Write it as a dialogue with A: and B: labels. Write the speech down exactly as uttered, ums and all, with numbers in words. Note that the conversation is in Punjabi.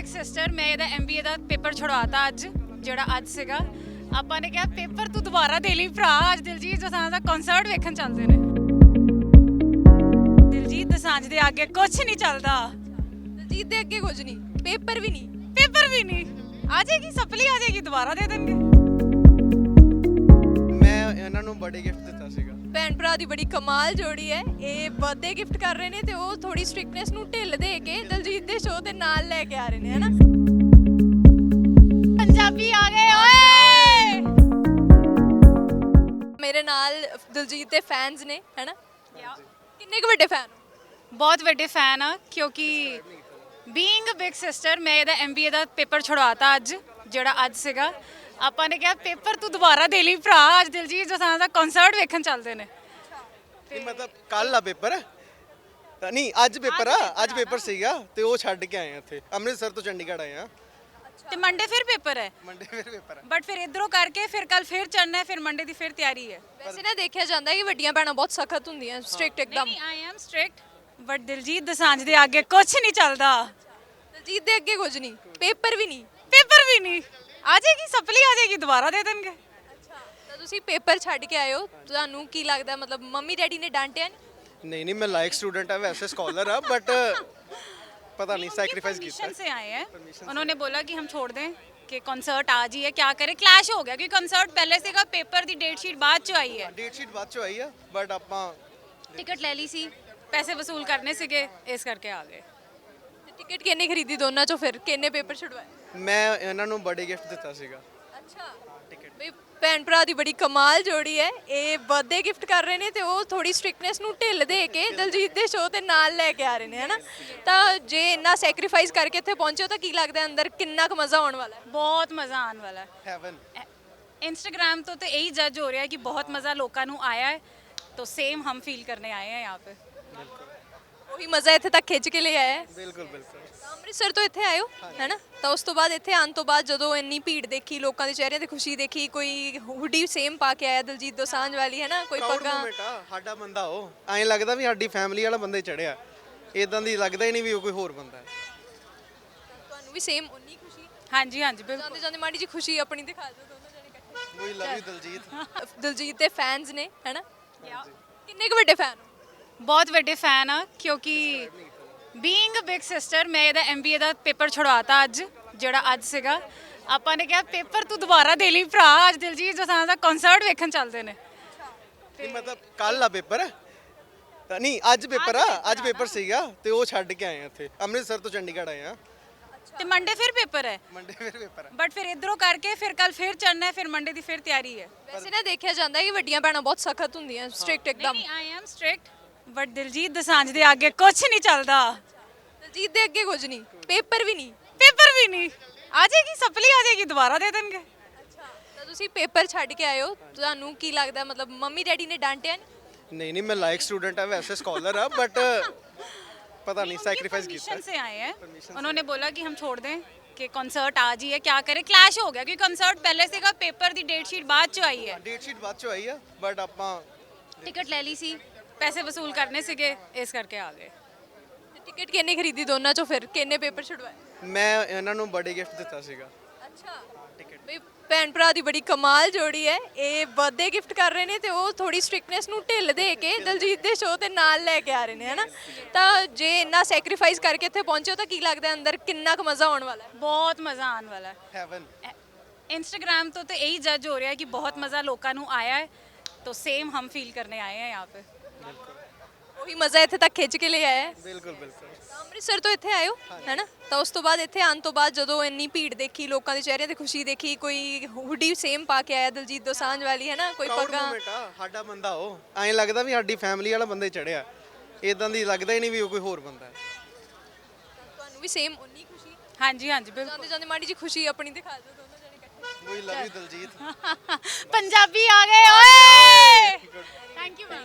A: ਸਿਸਟਰ ਮੈਂ ਇਹਦਾ ਐਮਬੀਏ ਦਾ ਪੇਪਰ ਛੁਡਵਾਤਾ ਅੱਜ ਜਿਹੜਾ ਅੱਜ ਸੀਗਾ ਆਪਾਂ ਨੇ ਕਿਹਾ ਪੇਪਰ ਤੂੰ ਦੁਬਾਰਾ ਦੇ ਲਈ ਭਰਾ ਅੱਜ ਦਿਲਜੀਤ ਦੋਸਾਂਝ ਦਾ ਕਨਸਰਟ ਵੇਖਣ ਚੱਲਦੇ ਨੇ। ਦਿਲਜੀਤ ਦੋਸਾਂਝ ਦੇ ਅੱਗੇ ਕੁਝ ਨਹੀਂ ਚੱਲਦਾ।
B: ਦਿਲਜੀਤ ਦੇ ਅੱਗੇ ਕੁਝ ਨਹੀਂ, ਪੇਪਰ ਵੀ ਨਹੀਂ।
A: ਪੇਪਰ ਵੀ ਨਹੀਂ, ਆ ਜਾਏਗੀ ਸਪਲੀ ਆ ਜਾਏਗੀ ਦੁਬਾਰਾ ਦੇ ਦੇਣਗੇ।
C: ਮੈਂ ਇਹਨਾਂ ਨੂੰ ਬਰਥਡੇ ਗਿਫਟ ਦਿੱਤਾ ਸੀਗਾ।
B: ਭੈਣ ਭਰਾ ਦੀ ਬੜੀ ਕਮਾਲ ਜੋੜੀ ਹੈ। ਇਹ ਬਰਥਡੇ ਗਿਫਟ ਕਰ ਰਹੇ ਨੇ ਤੇ ਉਹ ਥੋੜੀ ਸਟ੍ਰਿਕਨੈਸ ਨੂੰ ਢਿੱਲ ਦੇ ਕੇ ਦਿਲਜੀਤ ਦੇ ਸ਼ੋਅ ਦੇ ਨਾਲ ਲੈ ਕੇ ਆ ਰਹੇ ਨੇ, ਹਨਾ।
A: ਪੰਜਾਬੀ ਆ ਗਏ ਓਏ।
B: ਮੇਰੇ ਨਾਲ ਦਿਲਜੀਤ ਦੇ ਫੈਨਸ ਨੇ, ਹਨਾ। ਕਿੰਨੇ ਕੁ ਵੱਡੇ ਫੈਨ ਹੋ?
A: ਬਹੁਤ ਵੱਡੇ ਫੈਨ ਆ ਕਿਉਂਕਿ ਬੀਇੰਗ ਅ ਬਿਗ ਸਿਸਟਰ ਮੈਂ ਇਹਦਾ ਐਮਬੀਏ ਦਾ ਪੇਪਰ ਛੁਡਵਾਤਾ ਅੱਜ ਜਿਹੜਾ ਅੱਜ ਸੀਗਾ ਆਪਾਂ ਨੇ ਕਿਹਾ ਪੇਪਰ ਤੂੰ ਦੁਬਾਰਾ ਦੇ ਲਈ ਭਰਾ ਅੱਜ ਦਿਲਜੀਤ ਦੋਸਾਂਝ ਦਾ ਕਨਸਰਟ ਵੇਖਣ ਚੱਲਦੇ ਨੇ।
C: ਨਹੀਂ ਮਤਲਬ ਕੱਲ ਆ ਪੇਪਰ ਤਾਂ ਨਹੀਂ ਅੱਜ ਪੇਪਰ ਆ ਅੱਜ ਪੇਪਰ ਸੀਗਾ ਤੇ ਉਹ ਛੱਡ ਕੇ ਆਏ ਆ ਇੱਥੇ ਅੰਮ੍ਰਿਤਸਰ ਤੋਂ ਚੰਡੀਗੜ੍ਹ ਆਏ ਆ
A: ਤੇ ਮੰਡੇ ਫਿਰ ਪੇਪਰ ਹੈ
C: ਮੰਡੇ ਫਿਰ ਪੇਪਰ ਆ।
A: ਬਟ ਫਿਰ ਇਧਰੋਂ ਕਰਕੇ ਫਿਰ ਕੱਲ ਫਿਰ ਚੜਨਾ ਹੈ ਫਿਰ ਮੰਡੇ ਦੀ ਫਿਰ ਤਿਆਰੀ ਹੈ।
B: ਵੈਸੇ ਨਾ ਦੇਖਿਆ ਜਾਂਦਾ ਹੈ ਕਿ ਵੱਡੀਆਂ ਭੈਣਾਂ ਬਹੁਤ ਸਖਤ ਹੁੰਦੀਆਂ, ਸਟ੍ਰਿਕਟ ਇੱਕਦਮ।
A: ਨਹੀਂ I am strict but Diljit Dosanjh ਦੇ ਅੱਗੇ ਕੁਝ ਨਹੀਂ ਚੱਲਦਾ।
B: ਦਿਲਜੀਤ ਦੇ ਅੱਗੇ ਕੁਝ ਨਹੀਂ, ਪੇਪਰ ਵੀ ਨਹੀਂ।
A: ਪੇਪਰ ਵੀ ਨਹੀਂ, ਆ ਜਾਏਗੀ ਸਪਲੀ ਆ ਜਾਏਗੀ ਦੁਬਾਰਾ ਦੇ ਦੇਣਗੇ।
B: ਤਾਂ ਤੁਸੀਂ ਪੇਪਰ ਛੱਡ ਕੇ ਆਏ ਹੋ, ਤੁਹਾਨੂੰ ਕੀ ਲੱਗਦਾ, ਮਤਲਬ ਮੰਮੀ ਡੈਡੀ ਨੇ ਡਾਂਟਿਆ ਨਹੀਂ?
C: नहीं नहीं मैं लाइक स्टूडेंट है वैसे स्कॉलर है बट पता नहीं सैक्रिफाइस किया
A: परमिशन से आए हैं उन्होंने बोला कि हम छोड़ दें कि कॉन्सर्ट आज ही है क्या करें क्लैश हो गया क्योंकि कॉन्सर्ट पहले से का पेपर दी डेट शीट बाद ਚ ਆਈ ਹੈ
C: डेट शीट बाद ਚ ਆਈ ਹੈ ਬਟ ਆਪਾਂ
A: ਟਿਕਟ ਲੈ ਲਈ ਸੀ ਪੈਸੇ ਵਸੂਲ ਕਰਨੇ ਸੀਗੇ ਇਸ ਕਰਕੇ ਆ ਗਏ।
B: ਤੇ ਟਿਕਟ ਕਿੰਨੇ ਖਰੀਦੀ ਦੋਨਾਂ ਚੋਂ, ਫਿਰ ਕਿੰਨੇ ਪੇਪਰ ਛੁਡਵਾਏ?
C: ਮੈਂ ਇਹਨਾਂ ਨੂੰ ਬਰਥਡੇ ਗਿਫਟ ਦਿੱਤਾ ਸੀਗਾ।
B: ਅੱਛਾ, ਬਈ ਭੈਣ ਭਰਾ ਦੀ ਬੜੀ ਕਮਾਲ ਜੋੜੀ ਹੈ। ਇਹ ਬਰਥਡੇ ਗਿਫਟ ਕਰ ਰਹੇ ਨੇ ਤੇ ਉਹ ਥੋੜੀ ਸਟ੍ਰਿਕਨੈਸ ਨੂੰ ਢਿੱਲ ਦੇ ਕੇ ਦਿਲਜੀਤ ਦੇ ਸ਼ੋਅ ਤੇ ਨਾਲ ਲੈ ਕੇ ਆ ਰਹੇ ਨੇ, ਹਨਾ। ਤਾਂ ਜੇ ਇੰਨਾ ਸੈਕਰੀਫਾਈਸ ਕਰਕੇ ਇੱਥੇ ਪਹੁੰਚੇ ਹੋ ਤਾਂ ਕੀ ਲੱਗਦਾ ਅੰਦਰ ਕਿੰਨਾ ਕੁ ਮਜ਼ਾ ਆਉਣ ਵਾਲਾ ਹੈ?
A: ਬਹੁਤ ਮਜ਼ਾ ਆਉਣ ਵਾਲਾ ਹੈ।
C: ਹੈਵਨ
A: इंस्टाग्राम तो तो यही जज हो रहा है कि बहुत मज़ा लोगों को आया है तो सेम हम फील करने आए हैं यहाँ पे।
B: ਉਹੀ ਮਜ਼ਾ ਇੱਥੇ ਤੱਕ ਖਿੱਚ ਕੇ ਲੈ ਆਇਆ ਹੈ।
C: ਬਿਲਕੁਲ ਬਿਲਕੁਲ
B: ਤਾਂ ਅੰਮ੍ਰਿਤਸਰ ਤੋਂ ਇੱਥੇ ਆਇਓ, ਹੈਨਾ। ਤਾਂ ਉਸ ਤੋਂ ਬਾਅਦ ਇੱਥੇ ਆਉਣ ਤੋਂ ਬਾਅਦ ਜਦੋਂ ਇੰਨੀ ਭੀੜ ਦੇਖੀ, ਲੋਕਾਂ ਦੇ ਚਿਹਰਿਆਂ ਤੇ ਖੁਸ਼ੀ ਦੇਖੀ, ਕੋਈ ਹੁੱਡੀ ਸੇਮ ਪਾ ਕੇ ਆਇਆ ਦਿਲਜੀਤ ਦੋਸਾਂਝ ਵਾਲੀ, ਹੈਨਾ, ਕੋਈ
C: ਪ੍ਰਾਊਡ
B: ਪੱਗਾਂ।
C: ਮੂਮੈਂਟ ਆ ਸਾਡਾ ਬੰਦਾ। ਉਹ ਐਂ ਲੱਗਦਾ ਵੀ ਸਾਡੀ ਫੈਮਿਲੀ ਵਾਲਾ ਬੰਦਾ ਹੀ ਚੜਿਆ, ਇਦਾਂ ਦੀ ਲੱਗਦਾ ਹੀ ਨਹੀਂ ਵੀ ਉਹ ਕੋਈ ਹੋਰ ਬੰਦਾ ਹੈ।
B: ਤੁਹਾਨੂੰ ਵੀ ਸੇਮ ਉਨੀ ਖੁਸ਼ੀ?
A: हाँ जी हाँ जी बिल्कुल।
B: ਜਾਂਦੇ ਜਾਂਦੇ ਮਾੜੀ ਜੀ ਖੁਸ਼ੀ ਆਪਣੀ ਦਿਖਾ ਦਿਓ ਦੋਨੋਂ ਜਣੇ ਇਕੱਠੇ।
C: We love you Diljit.
B: Diljit ਦੇ ਫੈਨਸ ਨੇ, ਹੈਨਾ। ਕਿੰਨੇ ਕੁ ਵੱਡੇ ਫੈਨ ਹੋ?
A: ਬਹੁਤ ਵੱਡੇ ਫੈਨ ਆ ਕਿਉਂਕਿ ਬੀਇੰਗ ਅ ਬਿਗ ਸਿਸਟਰ ਮੈਂ ਇਹਦਾ ਐਮਬੀਏ ਦਾ ਪੇਪਰ ਛੁਡਵਾਤਾ ਅੱਜ ਜਿਹੜਾ ਅੱਜ ਸੀਗਾ ਆਪਾਂ ਨੇ ਕਿਹਾ ਪੇਪਰ ਤੂੰ ਦੁਬਾਰਾ ਦੇ ਲਈ ਭਰਾ ਅੱਜ ਦਿਲਜੀਤ ਦੋਸਾਂਝ ਦਾ ਕਨਸਰਟ ਵੇਖਣ ਚੱਲਦੇ ਨੇ।
C: ਨਹੀਂ ਮਤਲਬ ਕੱਲ ਆ ਪੇਪਰ ਤਾਂ ਨਹੀਂ ਅੱਜ ਪੇਪਰ ਆ ਅੱਜ ਪੇਪਰ ਸੀਗਾ ਤੇ ਉਹ ਛੱਡ ਕੇ ਆਏ ਆ ਇੱਥੇ ਅੰਮ੍ਰਿਤਸਰ ਤੋਂ ਚੰਡੀਗੜ੍ਹ ਆਏ ਆ
A: ਤੇ ਮੰਡੇ ਫਿਰ ਪੇਪਰ ਹੈ
C: ਮੰਡੇ ਫਿਰ ਪੇਪਰ ਆ।
A: ਬਟ ਫਿਰ ਇਧਰੋਂ ਕਰਕੇ ਫਿਰ ਕੱਲ ਫਿਰ ਚੜਨਾ ਹੈ ਫਿਰ ਮੰਡੇ ਦੀ ਫਿਰ ਤਿਆਰੀ ਹੈ।
B: ਵੈਸੇ ਨਾ ਦੇਖਿਆ ਜਾਂਦਾ ਹੈ ਕਿ ਵੱਡੀਆਂ ਭੈਣਾਂ ਬਹੁਤ ਸਖਤ ਹੁੰਦੀਆਂ, ਸਟ੍ਰਿਕਟ ਇੱਕਦਮ।
A: ਨਹੀਂ I am strict but Diljit Dosanjh ਦੇ ਅੱਗੇ ਕੁਝ ਨਹੀਂ ਚੱਲਦਾ।
B: ਦਿਲਜੀਤ ਦੇ ਅੱਗੇ ਕੁਝ ਨਹੀਂ, ਪੇਪਰ ਵੀ ਨਹੀਂ।
A: ਪੇਪਰ ਵੀ ਨਹੀਂ, ਆ ਜਾਏਗੀ ਸਪਲੀ ਆ ਜਾਏਗੀ ਦੁਬਾਰਾ ਦੇ ਦੇਣਗੇ।
B: ਤਾਂ ਤੁਸੀਂ ਪੇਪਰ ਛੱਡ ਕੇ ਆਏ ਹੋ, ਤੁਹਾਨੂੰ ਕੀ ਲੱਗਦਾ, ਮਤਲਬ ਮੰਮੀ ਡੈਡੀ ਨੇ ਡਾਂਟਿਆ ਨਹੀਂ?
C: नहीं नहीं मैं लाइक स्टूडेंट है वैसे स्कॉलर है बट पता नहीं सैक्रिफाइस किया
A: परमिशन से आए हैं उन्होंने बोला कि हम छोड़ दें कि कॉन्सर्ट आज ही है क्या करें क्लैश हो गया क्योंकि कॉन्सर्ट पहले से का पेपर दी डेट शीट बाद ਚ ਆਈ ਹੈ
C: डेट शीट बाद ਚ ਆਈ ਹੈ ਬਟ ਆਪਾਂ
A: ਟਿਕਟ ਲੈ ਲਈ ਸੀ ਪੈਸੇ ਵਸੂਲ ਕਰਨੇ ਸੀਗੇ ਇਸ ਕਰਕੇ ਆ ਗਏ।
B: ਤੇ ਟਿਕਟ ਕਿੰਨੇ ਖਰੀਦੀ ਦੋਨਾਂ ਚੋਂ, ਫਿਰ ਕਿੰਨੇ ਪੇਪਰ ਛੁਡਵਾਏ?
C: ਮੈਂ ਇਹਨਾਂ ਨੂੰ ਬਰਥਡੇ ਗਿਫਟ ਦਿੱਤਾ ਸੀਗਾ।
B: ਅੱਛਾ, ਬਈ ਭੈਣ ਭਰਾ ਦੀ ਬੜੀ ਕਮਾਲ ਜੋੜੀ ਹੈ। ਇਹ ਬਰਥਡੇ ਗਿਫਟ ਕਰ ਰਹੇ ਨੇ ਤੇ ਉਹ ਥੋੜੀ ਸਟ੍ਰਿਕਨੈਸ ਨੂੰ ਢਿੱਲ ਦੇ ਕੇ ਦਿਲਜੀਤ ਦੇ ਸ਼ੋਅ ਤੇ ਨਾਲ ਲੈ ਕੇ ਆ ਰਹੇ ਨੇ, ਹਨਾ। ਤਾਂ ਜੇ ਇੰਨਾ ਸੈਕਰੀਫਾਈਸ ਕਰਕੇ ਇੱਥੇ ਪਹੁੰਚੇ ਹੋ ਤਾਂ ਕੀ ਲੱਗਦਾ ਅੰਦਰ ਕਿੰਨਾ ਕੁ ਮਜ਼ਾ ਆਉਣ ਵਾਲਾ ਹੈ?
A: ਬਹੁਤ ਮਜ਼ਾ ਆਉਣ ਵਾਲਾ ਹੈ।
C: ਹੈਵਨ
A: इंस्टाग्राम तो तो यही जज हो रहा है कि बहुत मज़ा लोगों को आया है तो सेम हम फील करने आए हैं यहाँ पे।
B: ਉਹੀ ਮਜ਼ਾ ਇੱਥੇ ਤੱਕ ਖਿੱਚ ਕੇ ਲੈ ਆਇਆ ਹੈ।
C: ਬਿਲਕੁਲ ਬਿਲਕੁਲ
B: ਤਾਂ ਅੰਮ੍ਰਿਤਸਰ ਤੋਂ ਇੱਥੇ ਆਇਓ, ਹੈਨਾ। ਤਾਂ ਉਸ ਤੋਂ ਬਾਅਦ ਇੱਥੇ ਆਉਣ ਤੋਂ ਬਾਅਦ ਜਦੋਂ ਇੰਨੀ ਭੀੜ ਦੇਖੀ, ਲੋਕਾਂ ਦੇ ਚਿਹਰਿਆਂ ਤੇ ਖੁਸ਼ੀ ਦੇਖੀ, ਕੋਈ ਹੁੱਡੀ ਸੇਮ ਪਾ ਕੇ ਆਇਆ ਦਿਲਜੀਤ ਦੋਸਾਂਝ ਵਾਲੀ, ਹੈਨਾ, ਕੋਈ
C: ਪ੍ਰਾਊਡ
B: ਪੱਗਾਂ।
C: ਮੂਮੈਂਟ ਆ ਸਾਡਾ ਬੰਦਾ। ਉਹ ਐਂ ਲੱਗਦਾ ਵੀ ਸਾਡੀ ਫੈਮਿਲੀ ਵਾਲਾ ਬੰਦਾ ਹੀ ਚੜਿਆ, ਇਦਾਂ ਦੀ ਲੱਗਦਾ ਹੀ ਨਹੀਂ ਵੀ ਉਹ ਕੋਈ ਹੋਰ ਬੰਦਾ ਹੈ।
B: ਤੁਹਾਨੂੰ ਵੀ ਸੇਮ ਉਨੀ ਖੁਸ਼ੀ?
A: हाँ जी हाँ जी बिल्कुल।
B: ਜਾਂਦੇ ਜਾਂਦੇ ਮਾੜੀ ਜੀ ਖੁਸ਼ੀ ਆਪਣੀ ਦਿਖਾ ਦਿਓ ਦੋਨੋਂ ਜਣੇ ਇਕੱਠੇ।
C: We love you Diljit.
A: Punjabi आ गए ओए। Thank you ma'am.